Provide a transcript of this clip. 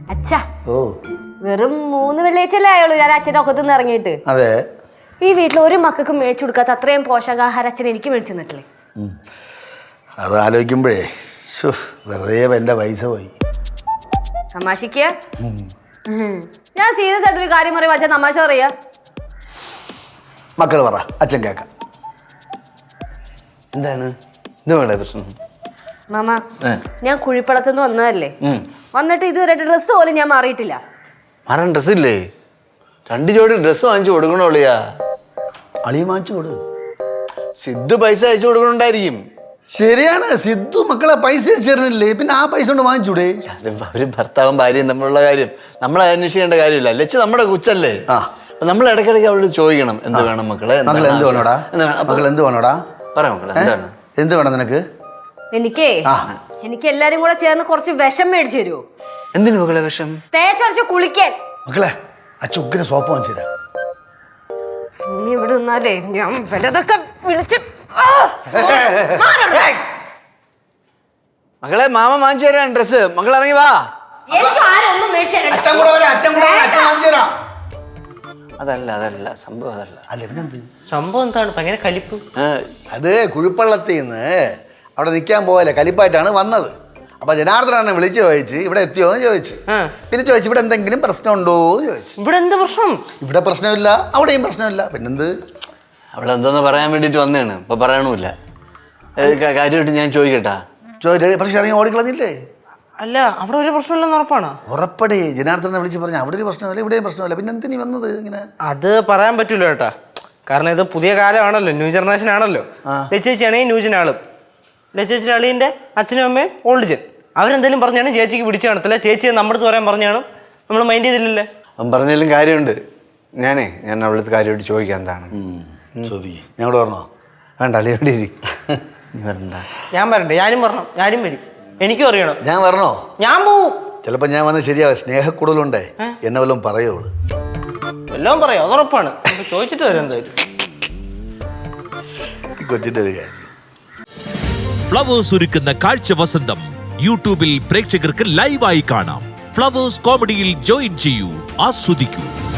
അച്ഛാ വെറും 3 വെള്ളിയാഴ്ചയല്ലേ ആയുള്ളൂ ഞാൻ അച്ഛൻ്റെ ഒക്കത്ത് നിന്ന് ഇറങ്ങിയിട്ട്. അതെ, ഈ വീട്ടിൽ ഒരു മക്കൾക്ക് മേടിച്ചു കൊടുക്കാത്ത അത്രയും പോഷകാഹാരം അച്ഛൻ എനിക്ക് മേടിച്ചു തന്നിട്ടില്ലേ? അത് ആലോചിക്കുമ്പോഴേ വെറുതെ എൻ്റെ പൈസ പോയി. തമാശക്ക് ഞാൻ സീരിയസ് ആയിട്ടൊരു കാര്യം പറയുമ്പോ അച്ഛൻ തമാശ പറയാ. മക്കൾ പറ, അച്ഛൻ കേക്കാം. എന്താണ് ഇതുപോലെ പ്രശ്നം? മാമ, ഞാൻ കുഴിപ്പളത്തുനിന്ന് വന്നതല്ലേ, വന്നിട്ട് ഇതുവരെ ഡ്രസ്സ് പോലും ഞാൻ മാറിയിട്ടില്ല. മാറാൻ ഡ്രസ്സില്ലേ? 2 ജോഡി ഡ്രസ്സ് വാങ്ങിച്ചു കൊടുക്കണോളിയാ. അളിയ വാങ്ങിച്ചു കൊടു. സിദ്ധു പൈസ അയച്ചു കൊടുക്കണുണ്ടായിരിക്കും. ശരിയാണ്, സിദ്ധു മക്കളെ പൈസ അയച്ചിരുന്നില്ലേ, പിന്നെ ആ പൈസ കൊണ്ട് വാങ്ങിച്ചൂടെ? അത് ഒരു ഭർത്താവും ഭാര്യയും തമ്മിലുള്ള കാര്യം നമ്മൾ അന്വേഷിക്കേണ്ട കാര്യമില്ല. ലച്ച് നമ്മുടെ കൊച്ചല്ലേ, അപ്പൊ നമ്മൾ ഇടയ്ക്കിടയ്ക്ക് അവളോട് ചോദിക്കണം എന്ത് വേണം മക്കളെ, മക്കൾ എന്ത് വേണോടാ, മക്കൾ എന്ത് വേണോടാ, പറ മക്കളെ എന്താണ്, എന്ത് വേണം നിനക്ക്? എനിക്ക് എല്ലാരും കൂടെ ചേർന്ന് കുറച്ച് വിഷം മേടിച്ചു തരുമോ? എന്തിനു മക്കളെ വിഷം? തേച്ചൊരച്ച് കുളിക്കാൻ. മക്കളെ അച്ഛൻ ഉഗ്ര സോപ്പ് വാങ്ങിച്ചു തരാം. നീ ഇവിടെ നിന്നാലേ ഞാൻ വലതൊക്കെ വിളിച്ച് മക്കളെ മാമ വാങ്ങിച്ചു തരാൻ ഡ്രസ്സ്. മക്കൾ ഇറങ്ങി വാ. അതല്ല സംഭവം, സംഭവം എന്താണ് ഭയങ്കര കലിപ്പ്? അത് കുഴിപ്പള്ളത്തിൽ നിന്ന് അവിടെ നിൽക്കാൻ പോയല്ലേ, കലിപ്പായിട്ടാണ് വന്നത്. അപ്പൊ ജനാർദ്ദനെ വിളിച്ച് ചോദിച്ച് ഇവിടെ എത്തിയോ എന്ന് ചോദിച്ചു. പിന്നെ ചോദിച്ചു ഇവിടെ എന്തെങ്കിലും പ്രശ്നമുണ്ടോ എന്ന് ചോദിച്ചു. ഇവിടെ എന്ത് പ്രശ്നം? ഇവിടെ പ്രശ്നമില്ല, അവിടെയും പ്രശ്നമില്ല. പിന്നെന്ത്? അവളെന്തോന്ന് പറയാൻ വേണ്ടിട്ട് വന്നതാണ്, ഇപ്പൊ പറയണമില്ല. കാര്യമായിട്ട് ഞാൻ ചോദിക്കട്ടാ? പക്ഷെ ഇറങ്ങി ഓടിക്കളഞ്ഞില്ലേ? അല്ല, അവിടെ ഒരു പ്രശ്നമില്ലെന്ന് ഉറപ്പാണ്? ഉറപ്പടി. ജനാർദ്ദനെ വിളിച്ച് പറഞ്ഞു അവിടെ ഒരു പ്രശ്നമില്ല, ഇവിടെയും പ്രശ്നമില്ല. പിന്നെ എന്തിനീ വന്നത് ഇങ്ങനെ? അത് പറയാൻ പറ്റൂല കേട്ടാ, കാരണം ഇത് പുതിയ കാലമാണല്ലോ, ന്യൂ ജനറേഷൻ ആണല്ലോ. ചേച്ചിയാണെങ്കിൽ ന്യൂ ജൻ ആളും, ചേച്ചിയുടെ അളിയൻ്റെ അച്ഛനും അമ്മയും ഓൾഡ് ജൻ. അവരെന്തെങ്കിലും പറഞ്ഞാണ് ചേച്ചിക്ക് പിടിച്ചു കാണത്തില്ല. ചേച്ചിയെ നമ്മുടെ അടുത്ത് പറയാൻ പറഞ്ഞാണ് നമ്മൾ മൈൻഡ് ചെയ്തില്ലല്ലേ. അവൻ പറഞ്ഞാലും കാര്യമുണ്ട്. ഞാൻ അവളടുത്ത് കാര്യമായിട്ട് ചോദിക്കാം എന്താണ്. ഞങ്ങളോട് പറഞ്ഞോ? വേണ്ട, അളിയോടെ വരണ്ട. ഞാൻ വരണ്ടേ? ഞാനും വരണം, ഞാനും വരും. എനിക്കും അറിയണം. ഞാൻ വരണോ? ഞാൻ പോവും. ചിലപ്പോ ഞാൻ വന്ന് ശരിയാവും. സ്നേഹക്കൂടുതലുണ്ടേ, എന്നെ വല്ലതും പറയുള്ളൂ. എല്ലാം പറയാം, അതുറപ്പാണ്. ചോദിച്ചിട്ട് വരാം എന്തായാലും. കൊച്ചിന്റെ ഒരു കാര്യം. ഫ്ലവേഴ്സ് ഒരുക്കുന്ന കാഴ്ച വസന്തം യൂട്യൂബിൽ പ്രേക്ഷകർക്ക് ലൈവായി കാണാം. ഫ്ലവേഴ്സ് കോമഡിയിൽ ജോയിൻ ചെയ്യൂ, ആസ്വദിക്കൂ.